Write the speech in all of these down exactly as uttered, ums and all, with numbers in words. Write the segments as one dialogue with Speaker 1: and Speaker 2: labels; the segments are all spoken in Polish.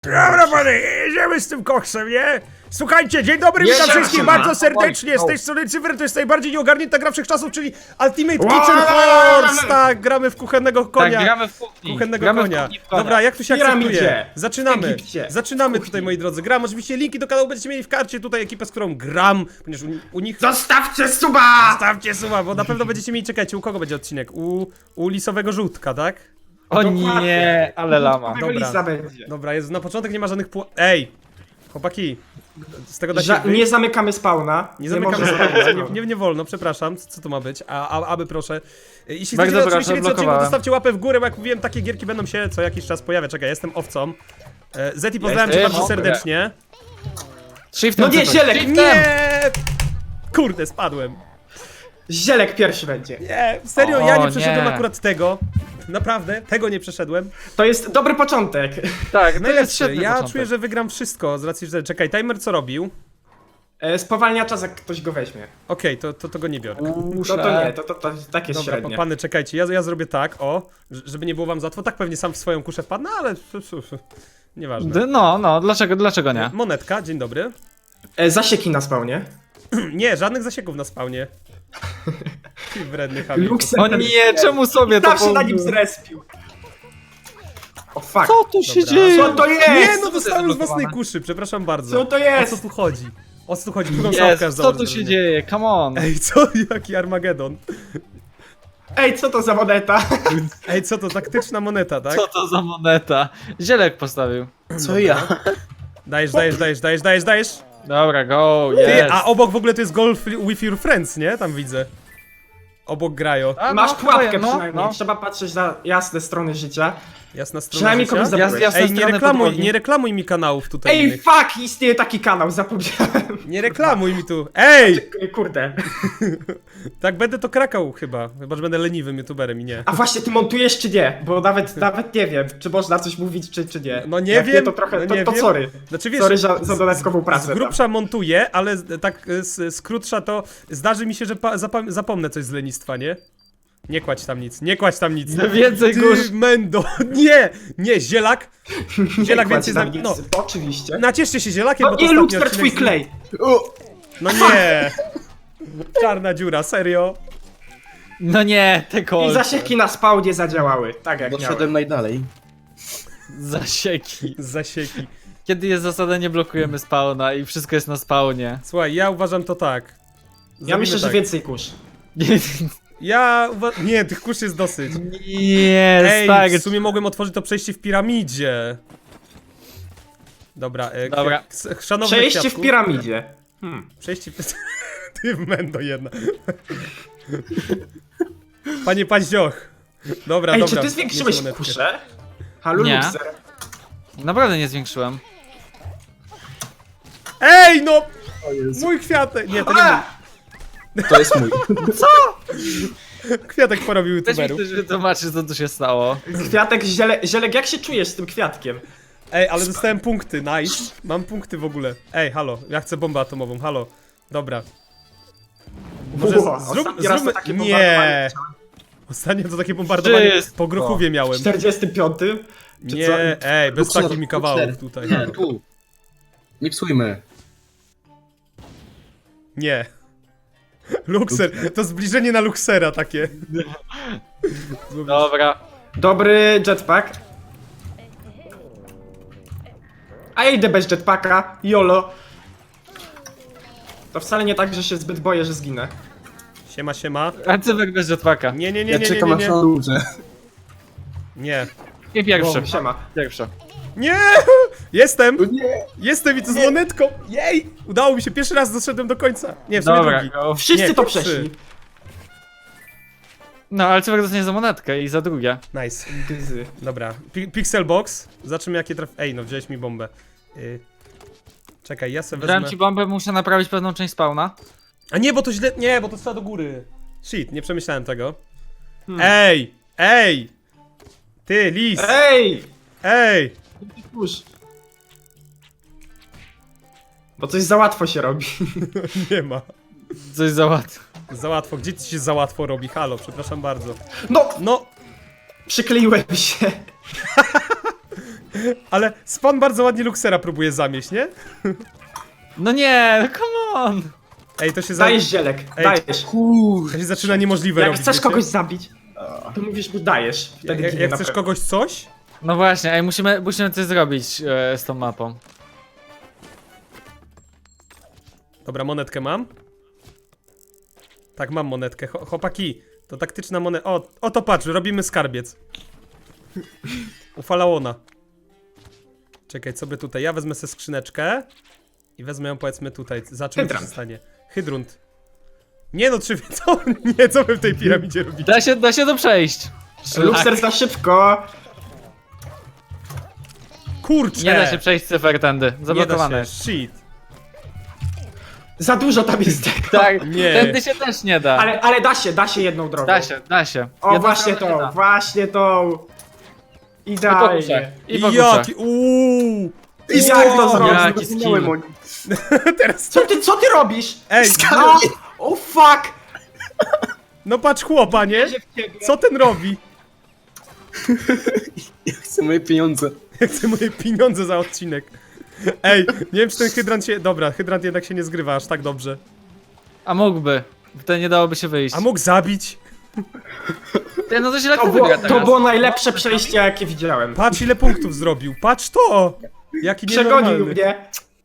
Speaker 1: Dobra, panie, jedziemy z tym koksem, nie? Słuchajcie, dzień dobry, witam
Speaker 2: Jedziemy,
Speaker 1: wszystkich
Speaker 2: siema.
Speaker 1: bardzo serdecznie, z
Speaker 2: Oj,
Speaker 1: tej strony Cyfr, to jest najbardziej nieogarnięta gra wszechczasów, czyli Ultimate
Speaker 2: Wow.
Speaker 1: Kitchen Horse! Tak, gramy w kuchennego konia.
Speaker 3: Tak, gramy w kuchni.
Speaker 1: Kuchennego
Speaker 3: gramy
Speaker 1: konia.
Speaker 3: W kuchni w konia.
Speaker 1: Dobra, jak tu się
Speaker 2: Piramidzie.
Speaker 1: akceptuje? Zaczynamy.
Speaker 2: Egipcie.
Speaker 1: Zaczynamy
Speaker 2: Kuchni.
Speaker 1: tutaj, moi drodzy. Gram, oczywiście linki do kanału będziecie mieli w karcie, tutaj ekipę, z którą gram, ponieważ u, u nich...
Speaker 2: Zostawcie suba!
Speaker 1: Stawcie suba, bo na pewno będziecie mieli, czekajcie, u kogo będzie odcinek? U, u lisowego żółtka, tak?
Speaker 3: O
Speaker 2: Dokładnie.
Speaker 3: nie, ale lama.
Speaker 1: Dobra.
Speaker 2: Lisa będzie.
Speaker 1: Dobra, jest, na początek nie ma żadnych pł... Ej! Chłopaki, z tego da się
Speaker 2: Ża
Speaker 1: wyjść?
Speaker 2: nie zamykamy spawna.
Speaker 1: Nie zamykamy
Speaker 2: może
Speaker 1: spawna,
Speaker 2: zamykać
Speaker 1: nie, nie, nie wolno, przepraszam, co, co to ma być, a, a, aby proszę. Jeśli
Speaker 3: Bardzo
Speaker 1: chcecie
Speaker 3: proszę,
Speaker 1: oczywiście więcej odcinków,
Speaker 3: blokowałem.
Speaker 1: zostawcie łapę w górę, bo jak mówiłem, takie gierki będą się co jakiś czas pojawiać. Czekaj, jestem owcą. E, Zeti, pozdrawiam cię
Speaker 3: jestem
Speaker 1: bardzo
Speaker 3: owcem.
Speaker 1: serdecznie.
Speaker 3: Shiftem
Speaker 2: No nie,
Speaker 3: cofnąć.
Speaker 2: zielek,
Speaker 3: Shiftem!
Speaker 1: Nie! Kurde, spadłem.
Speaker 2: Zielek pierwszy będzie.
Speaker 1: Nie, serio,
Speaker 3: O,
Speaker 1: ja nie przeszedłem
Speaker 3: nie.
Speaker 1: akurat tego. Naprawdę, tego nie przeszedłem.
Speaker 2: To jest dobry początek.
Speaker 3: Tak, to jest
Speaker 1: Najlepszy,
Speaker 3: świetny
Speaker 1: ja
Speaker 3: początek.
Speaker 1: czuję, że wygram wszystko z racji, że... Czekaj, timer co robił?
Speaker 2: E, spowalnia czas, jak ktoś go weźmie.
Speaker 1: Okej, to, to, to go nie biorę.
Speaker 2: To to nie, to, to, to tak jest
Speaker 1: Dobra,
Speaker 2: średnie.
Speaker 1: pany, czekajcie, ja, ja zrobię tak, o, ż- żeby nie było wam za łatwo. Tak pewnie sam w swoją kuszę wpadnę, ale nieważne.
Speaker 3: D- No, no, dlaczego, dlaczego nie?
Speaker 1: Monetka, dzień dobry.
Speaker 2: E, zasieki na spawnie.
Speaker 1: Nie, żadnych zasieków na spawnie. Ty wredny chamie.
Speaker 2: Luxem
Speaker 3: O nie, czemu sobie to
Speaker 2: Zawsze na nim
Speaker 3: położyłem?
Speaker 2: zrespił. O fuck.
Speaker 3: Co tu się
Speaker 1: Dobra.
Speaker 3: dzieje?
Speaker 2: Co to jest?
Speaker 1: Nie, no
Speaker 3: Co to
Speaker 1: dostałem
Speaker 3: jest
Speaker 1: z własnej
Speaker 3: zablokowane?
Speaker 1: kuszy, przepraszam bardzo.
Speaker 2: Co to
Speaker 1: O
Speaker 2: jest?
Speaker 1: co tu chodzi? O co tu chodzi? Drugą sałkę
Speaker 3: Jest, co tu się dzieje? Come on.
Speaker 1: Ej, co? Jaki Armagedon?
Speaker 2: Ej, co to za moneta?
Speaker 1: Ej, co to? Taktyczna moneta, tak?
Speaker 3: Co to za moneta? Zielek postawił.
Speaker 4: Co ja?
Speaker 1: Dajesz, dajesz, dajesz, dajesz, dajesz, dajesz.
Speaker 3: Dobra, go,
Speaker 1: Ty,
Speaker 3: jest.
Speaker 1: a obok w ogóle to jest golf with your friends, nie? Tam widzę. Obok grają.
Speaker 3: A,
Speaker 2: Masz
Speaker 3: no,
Speaker 2: pułapkę
Speaker 3: no,
Speaker 2: przynajmniej.
Speaker 3: no.
Speaker 2: Trzeba patrzeć na jasne strony życia.
Speaker 1: Jasna strona
Speaker 2: Przynajmniej
Speaker 1: życia.
Speaker 2: kogoś zabiłeś.
Speaker 3: Ja- jasne
Speaker 1: Ej, nie
Speaker 3: strony
Speaker 1: reklamuj,
Speaker 3: podłogi.
Speaker 1: nie reklamuj mi kanałów tutaj
Speaker 2: Ej,
Speaker 1: innych.
Speaker 2: fuck! Istnieje taki kanał, zapomniałem.
Speaker 1: Nie reklamuj mi tu. Ej!
Speaker 2: Kurde.
Speaker 1: Tak będę to krakał chyba. Chyba, że będę leniwym youtuberem i nie.
Speaker 2: A właśnie, ty montujesz czy nie? Bo nawet, nawet nie wiem, czy można coś mówić, czy, czy nie.
Speaker 1: No nie
Speaker 2: Jak
Speaker 1: wiem,
Speaker 2: Nie, to trochę,
Speaker 1: no
Speaker 2: to,
Speaker 1: nie
Speaker 2: to
Speaker 1: wiem.
Speaker 2: sorry.
Speaker 1: Znaczy wiesz,
Speaker 2: Sorry za, za dodatkową pracę.
Speaker 1: z
Speaker 2: tam.
Speaker 1: grubsza montuję, ale z- tak y, z, z krótsza to zdarzy mi się, że pa, zapam, zapomnę coś z lenistwa, nie? Nie kładź tam nic, nie kładź tam nic.
Speaker 3: No więcej
Speaker 1: Ty,
Speaker 3: kurz.
Speaker 1: Mendo, nie, nie, zielak. Zielak
Speaker 2: Nie
Speaker 1: więcej
Speaker 2: kładź
Speaker 1: znam,
Speaker 2: tam
Speaker 1: no.
Speaker 2: nic, Oczywiście.
Speaker 1: Nacieszcie się zielakiem,
Speaker 2: No
Speaker 1: bo to
Speaker 2: nie,
Speaker 1: ostatni
Speaker 2: Luxter,
Speaker 1: odcinek
Speaker 2: twój
Speaker 1: z-
Speaker 2: klej!
Speaker 1: No nie. Czarna dziura, serio.
Speaker 3: No nie, te
Speaker 2: I
Speaker 3: kolce.
Speaker 2: zasieki na spawnie zadziałały, tak jak miały.
Speaker 4: Doszedłem najdalej.
Speaker 3: Zasieki.
Speaker 1: Z zasieki.
Speaker 3: Kiedy jest zasada, nie blokujemy spawna i wszystko jest na spawnie.
Speaker 1: Słuchaj, ja uważam to tak.
Speaker 2: Ja
Speaker 1: Zrobimy
Speaker 2: myślę, że
Speaker 1: tak.
Speaker 2: więcej kurz.
Speaker 1: Ja uważam... Nie, tych kurz jest dosyć.
Speaker 3: Nie,
Speaker 1: Ej,
Speaker 3: tak.
Speaker 1: w sumie mogłem otworzyć to przejście w piramidzie. Dobra, e,
Speaker 3: Dobra.
Speaker 1: k- k- szanowny
Speaker 2: Przejście w
Speaker 1: kwiatku.
Speaker 2: piramidzie. Hmm.
Speaker 1: Przejście w... Ty w mendo jedna. Panie Paździoch. Dobra,
Speaker 2: Ej,
Speaker 1: dobra.
Speaker 2: czy ty zwiększyłeś
Speaker 1: nieco monetkę.
Speaker 2: kuszę? Halo,
Speaker 3: Nie.
Speaker 2: Luxer.
Speaker 3: Naprawdę nie zwiększyłem.
Speaker 1: Ej, no! Mój kwiatek! Nie, to nie
Speaker 2: A!
Speaker 4: To jest mój.
Speaker 1: mój. Kwiatek porobił
Speaker 3: Weź mi
Speaker 1: youtuberów.
Speaker 3: ktoś wytłumaczy, co tu się stało.
Speaker 2: Kwiatek, ziele, zielek, jak się czujesz z tym kwiatkiem?
Speaker 1: Ej, ale dostałem punkty, nice. Mam punkty w ogóle. Ej, halo, ja chcę bombę atomową, halo. Dobra. Może
Speaker 2: Wow,
Speaker 1: z- zrób,
Speaker 2: ostatni raz
Speaker 1: zróbmy...
Speaker 2: to takie
Speaker 1: Nie!
Speaker 2: bombardowanie
Speaker 1: Ostatnio to takie bombardowanie
Speaker 3: Wszystko.
Speaker 1: po Grochówie
Speaker 2: W
Speaker 1: miałem.
Speaker 2: czterdziestym piątym? Czy
Speaker 1: Nie,
Speaker 2: co?
Speaker 1: ej, bez
Speaker 4: Luxer,
Speaker 1: takich mi kawałów
Speaker 4: Luxer.
Speaker 1: tutaj.
Speaker 4: Nie, tu. Nie psujmy.
Speaker 1: Nie. Luxer, to zbliżenie na Luxera takie.
Speaker 3: Dobra.
Speaker 2: Dobry jetpack. A ja idę bez jetpacka, YOLO. To wcale nie tak, że się zbyt boję, że zginę.
Speaker 1: Siema, siema.
Speaker 3: Arcywek bez jetpacka.
Speaker 1: Nie, nie, nie,
Speaker 4: Ja
Speaker 1: nie, nie,
Speaker 4: czekam
Speaker 1: nie,
Speaker 4: aż
Speaker 1: nie.
Speaker 4: na ludzie.
Speaker 1: Nie.
Speaker 3: I pierwszy.
Speaker 2: O, siema.
Speaker 3: Pierwszy.
Speaker 1: Nie! Jestem!
Speaker 4: Nie.
Speaker 1: Jestem i to z monetką! Jej! Udało mi się, pierwszy raz doszedłem do końca. Nie, w sumie
Speaker 3: Dobra,
Speaker 1: drugi.
Speaker 3: go.
Speaker 2: Wszyscy
Speaker 1: Nie,
Speaker 2: to
Speaker 1: pierwszy.
Speaker 2: przeszli.
Speaker 3: No, ale Cywek dostanie za monetkę i za drugie.
Speaker 1: Nice.
Speaker 2: Gzy.
Speaker 1: Dobra, Pi Pixel Box. Zobaczymy jakie traf... Ej, no wziąłeś mi bombę. Yy. Czekaj, ja sobie
Speaker 3: Dałem
Speaker 1: wezmę...
Speaker 3: ci bombę, muszę naprawić pewną część spawna.
Speaker 1: A nie, bo to źle... Nie, bo to trzeba do góry. Shit, nie przemyślałem tego.
Speaker 2: Hmm.
Speaker 1: Ej! Ej! Ty, lis!
Speaker 2: Ej!
Speaker 1: Ej!
Speaker 2: Kurz. Bo coś za łatwo się robi.
Speaker 1: Nie ma.
Speaker 3: Coś za łatwo.
Speaker 1: Za łatwo. Gdzie ci się za łatwo robi? Halo, przepraszam bardzo.
Speaker 2: No!
Speaker 1: No,
Speaker 2: Przykleiłem się.
Speaker 1: Ale Spawn bardzo ładnie Luxera próbuje zamieść, nie?
Speaker 3: No nie, no come on!
Speaker 1: Ej, to się, za...
Speaker 2: Dajesz zielek,
Speaker 1: Ej,
Speaker 2: dajesz.
Speaker 4: Kur...
Speaker 1: to się zaczyna niemożliwe
Speaker 2: Jak
Speaker 1: robić,
Speaker 2: chcesz
Speaker 1: wiecie?
Speaker 2: kogoś zabić, to mówisz mu dajesz. Wtedy
Speaker 1: Jak,
Speaker 2: ginie
Speaker 1: jak
Speaker 2: na
Speaker 1: chcesz
Speaker 2: pewno.
Speaker 1: kogoś coś?
Speaker 3: No właśnie, ej, musimy, musimy coś zrobić e, z tą mapą.
Speaker 1: Dobra, monetkę mam. Tak, mam monetkę. Cho- Chłopaki, to taktyczna monetka. O, o to patrz, robimy skarbiec. U Falaona. Czekaj, co by tutaj? Ja wezmę sobie skrzyneczkę i wezmę ją, powiedzmy, tutaj. Za czym się
Speaker 2: Hydrant.
Speaker 1: stanie? Hydrunt. Nie no, czy co? Nie, co wy w tej piramidzie robicie?
Speaker 3: Da się, da się to przejść.
Speaker 2: Luxer za szybko.
Speaker 1: Kurczę!
Speaker 3: Nie da się przejść cyfer tędy,
Speaker 1: Nie
Speaker 3: zablokowane
Speaker 1: da
Speaker 3: jest.
Speaker 1: się, shit.
Speaker 2: Za dużo tam jest tego.
Speaker 3: Tak,
Speaker 1: Nie.
Speaker 3: tędy się też nie da.
Speaker 2: Ale, ale da się, da się jedną drogą.
Speaker 3: Da się, da się.
Speaker 2: O,
Speaker 3: Jedną
Speaker 2: właśnie
Speaker 3: stronę się
Speaker 2: to,
Speaker 3: da.
Speaker 2: właśnie to.
Speaker 3: I po kuszach,
Speaker 2: Idealnie.
Speaker 3: i po kuszach.
Speaker 1: Jaki, uuu!
Speaker 2: I jak to zrobić?
Speaker 3: Jaki skill.
Speaker 1: Teraz
Speaker 2: Co ty, co ty robisz?
Speaker 1: Ej,
Speaker 2: No, oh fuck!
Speaker 1: no patrz chłopa, nie? Co ten robi?
Speaker 4: Ja chcę moje pieniądze.
Speaker 1: Ja chcę moje pieniądze za odcinek. Ej, nie wiem czy ten hydrant się... Dobra, hydrant jednak się nie zgrywa aż tak dobrze.
Speaker 3: A mógłby. Wtedy nie dałoby się wyjść.
Speaker 1: A mógł zabić?
Speaker 3: Ty, no to się lekko
Speaker 2: To było,
Speaker 3: wygra
Speaker 2: to
Speaker 3: teraz.
Speaker 2: było najlepsze przejście, jakie widziałem.
Speaker 1: Patrz ile punktów zrobił, patrz to! Jaki
Speaker 2: Przegonił
Speaker 1: nienormalny.
Speaker 2: mnie.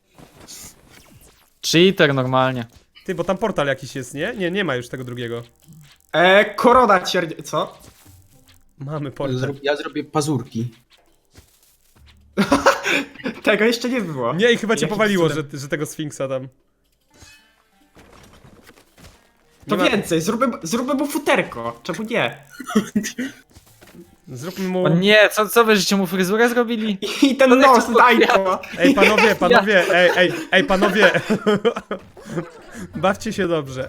Speaker 3: Cheater normalnie.
Speaker 1: Ty, bo tam portal jakiś jest, nie? Nie, nie ma już tego drugiego.
Speaker 2: E, korona cier... Co?
Speaker 1: Mamy portal.
Speaker 4: Zro- Ja zrobię pazurki.
Speaker 2: Tego jeszcze nie było.
Speaker 1: Nie, i chyba cię
Speaker 2: Jakim
Speaker 1: powaliło, że,
Speaker 2: cudem?
Speaker 1: że tego Sfinksa tam.
Speaker 2: To
Speaker 1: nie ma-
Speaker 2: więcej, zróbmy, zróbmy mu futerko. Czemu nie?
Speaker 1: Zróbmy mu...
Speaker 3: O nie, co, co wy żeście mu fryzurę zrobili?
Speaker 2: I ten
Speaker 3: To
Speaker 2: nos,
Speaker 3: jest
Speaker 2: daj to.
Speaker 1: Ej, panowie, panowie, ej, ej, ej, panowie. Bawcie się dobrze.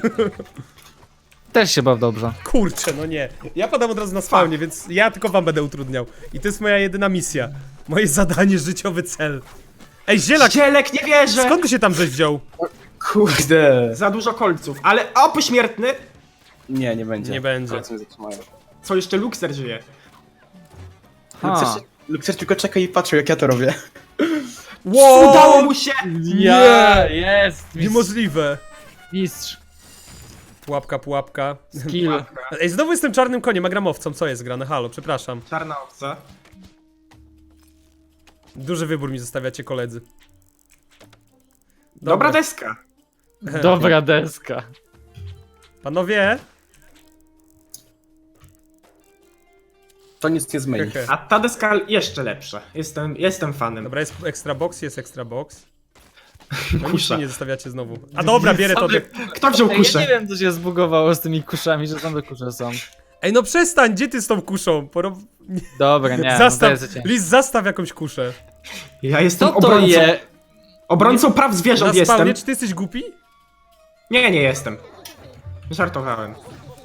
Speaker 3: Też się baw dobrze.
Speaker 1: Kurczę, no nie. Ja padam od razu na spawnie, więc ja tylko wam będę utrudniał. I to jest moja jedyna misja. Moje zadanie, życiowy cel. Ej, zielak,
Speaker 2: Zielek, nie wierzę!
Speaker 1: skąd ty się tam żeś wziął?
Speaker 4: Kurde.
Speaker 2: Za dużo kolców, ale o, pośmiertny!
Speaker 4: Nie, nie będzie.
Speaker 1: Nie będzie.
Speaker 4: Palce mnie zatrzymają.
Speaker 2: Co, jeszcze Luxer żyje?
Speaker 3: Ha.
Speaker 4: Lukser, Lukser tylko czeka i patrzy jak ja to robię.
Speaker 1: Wow!
Speaker 2: Udało mu się!
Speaker 3: Nie, jest! Mistrz.
Speaker 1: Niemożliwe.
Speaker 3: Mistrz.
Speaker 1: Pułapka, pułapka.
Speaker 3: Kill.
Speaker 1: Ej, znowu jestem czarnym koniem, a gramowcą. Co jest grane? Halo, przepraszam.
Speaker 2: Czarna owca.
Speaker 1: Duży wybór mi zostawiacie, koledzy.
Speaker 2: Dobra deska.
Speaker 3: Dobra deska.
Speaker 1: Panowie.
Speaker 4: To nic nie zmieni.
Speaker 1: Hehe.
Speaker 2: A ta deska jeszcze lepsza. Jestem, jestem fanem.
Speaker 1: Dobra, jest extra box, jest extra box. No nic
Speaker 2: Kusza.
Speaker 1: mi nie zostawiacie znowu. A dobra, bierę to.
Speaker 3: Same-
Speaker 2: Kto wziął
Speaker 3: Ej, ja nie
Speaker 2: kuszę?
Speaker 3: wiem co się zbugowało z tymi kuszami, że same kusze są.
Speaker 1: Ej, no przestań, gdzie ty z tą kuszą? Poro...
Speaker 3: Dobra, nie, no to
Speaker 1: zastaw,
Speaker 3: jest za ciężkie.
Speaker 1: Liz, zastaw jakąś kuszę.
Speaker 2: Ja jestem
Speaker 3: Co to
Speaker 2: obrońcą.
Speaker 3: je?
Speaker 2: Obrońcą praw
Speaker 1: Na
Speaker 2: zwierząt
Speaker 1: spawnie,
Speaker 2: jestem.
Speaker 1: czy ty jesteś głupi?
Speaker 2: Nie, nie jestem. Żartowałem.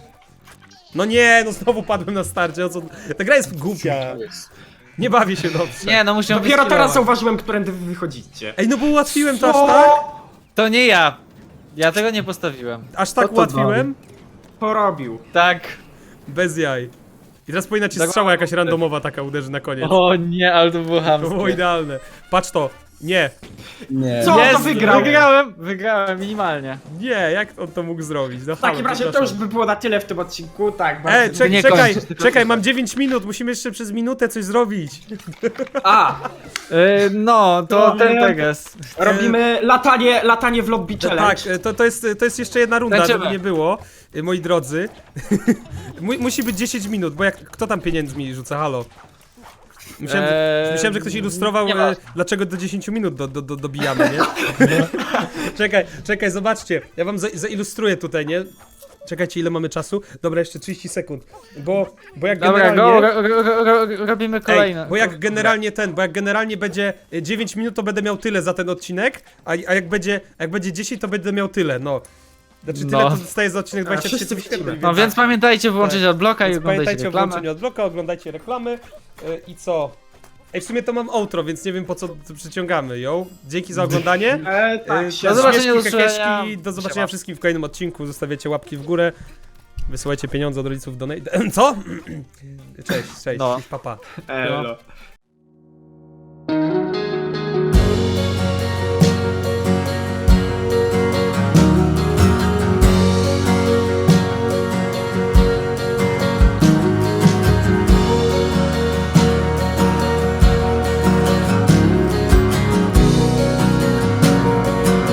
Speaker 1: No nie, no znowu padłem na starcie, o co... Ta gra jest głupia. Nie bawię się dobrze.
Speaker 3: Nie, no musimy
Speaker 2: Dopiero teraz
Speaker 3: wyskillować.
Speaker 2: zauważyłem, którędy wy wychodzicie.
Speaker 1: Ej, no bo ułatwiłem to aż
Speaker 2: Co?
Speaker 1: tak?
Speaker 3: To nie ja. Ja tego nie postawiłem.
Speaker 1: Aż tak
Speaker 4: Co to
Speaker 1: ułatwiłem?
Speaker 2: Porobił.
Speaker 3: Tak.
Speaker 1: Bez jaj. I teraz powinna ci
Speaker 3: Tak.
Speaker 1: strzała jakaś randomowa taka uderzy na koniec.
Speaker 3: O nie, ale to było
Speaker 1: To było
Speaker 3: chamskie.
Speaker 1: idealne. Patrz to. Nie.
Speaker 4: Nie.
Speaker 2: Co?
Speaker 3: Jest,
Speaker 2: to wygrał.
Speaker 3: Wygrałem, wygrałem minimalnie.
Speaker 1: Nie, jak on to mógł zrobić? No
Speaker 2: W takim
Speaker 1: halo,
Speaker 2: razie to
Speaker 1: przepraszam.
Speaker 2: już by było na tyle w tym odcinku, tak. bardzo-
Speaker 1: Ej, czek,
Speaker 3: nie
Speaker 1: czekaj,
Speaker 3: kończysz, tylko
Speaker 1: czekaj,
Speaker 3: piszę.
Speaker 1: mam dziewięć minut, musimy jeszcze przez minutę coś zrobić.
Speaker 2: A,
Speaker 3: Yy, no, to
Speaker 2: No,
Speaker 3: ten
Speaker 2: nie.
Speaker 3: teges.
Speaker 2: robimy latanie, latanie w lobby challenge.
Speaker 1: Tak, to, to, jest, to jest jeszcze jedna runda,
Speaker 3: Tańczymy.
Speaker 1: żeby nie było, y, moi drodzy. Mu, musi być dziesięć minut, bo jak, kto tam pieniędzmi rzuca, halo? Myślałem,
Speaker 3: Eee,
Speaker 1: myślałem że ktoś ilustrował,
Speaker 3: nie
Speaker 1: e,
Speaker 3: ma.
Speaker 1: dlaczego do dziesięciu minut do, do, do, dobijamy, nie? Czekaj, czekaj, zobaczcie, ja wam za, zailustruję tutaj, nie? Czekajcie, ile mamy czasu? Dobra, jeszcze trzydzieści sekund, bo, bo jak
Speaker 3: Dobra,
Speaker 1: generalnie...
Speaker 3: go, ro, ro, ro, ro, robimy kolejne.
Speaker 1: Ej, bo jak generalnie ten, bo jak generalnie będzie y, dziewięć minut, to będę miał tyle za ten odcinek, a, a jak będzie a jak będzie dziesięć, to będę miał tyle, no. Znaczy tyle
Speaker 3: No.
Speaker 1: to dostaje za odcinek
Speaker 2: A,
Speaker 1: dwadzieścia
Speaker 2: wszyscy
Speaker 1: tysięcy
Speaker 2: widzimy.
Speaker 1: wyświetleń.
Speaker 3: No więc pamiętajcie wyłączyć
Speaker 1: Tak.
Speaker 3: odbloka i
Speaker 1: Więc
Speaker 3: oglądajcie
Speaker 1: pamiętajcie o
Speaker 3: reklamę.
Speaker 1: włączeniu odbloka, oglądajcie reklamy y, i co? Ej, w sumie to mam outro, więc nie wiem po co to przyciągamy, yo. Dzięki za oglądanie.
Speaker 2: E, tak,
Speaker 1: Y,
Speaker 2: się
Speaker 3: do zobaczenia,
Speaker 1: śmieszki,
Speaker 3: do usłyszenia.
Speaker 1: kekeszki, do zobaczenia
Speaker 3: Siema.
Speaker 1: wszystkim w kolejnym odcinku. Zostawiacie łapki w górę. Wysyłajcie pieniądze od rodziców do... Co? Cześć, cześć,
Speaker 3: No.
Speaker 1: papa. Pa.
Speaker 2: Elo.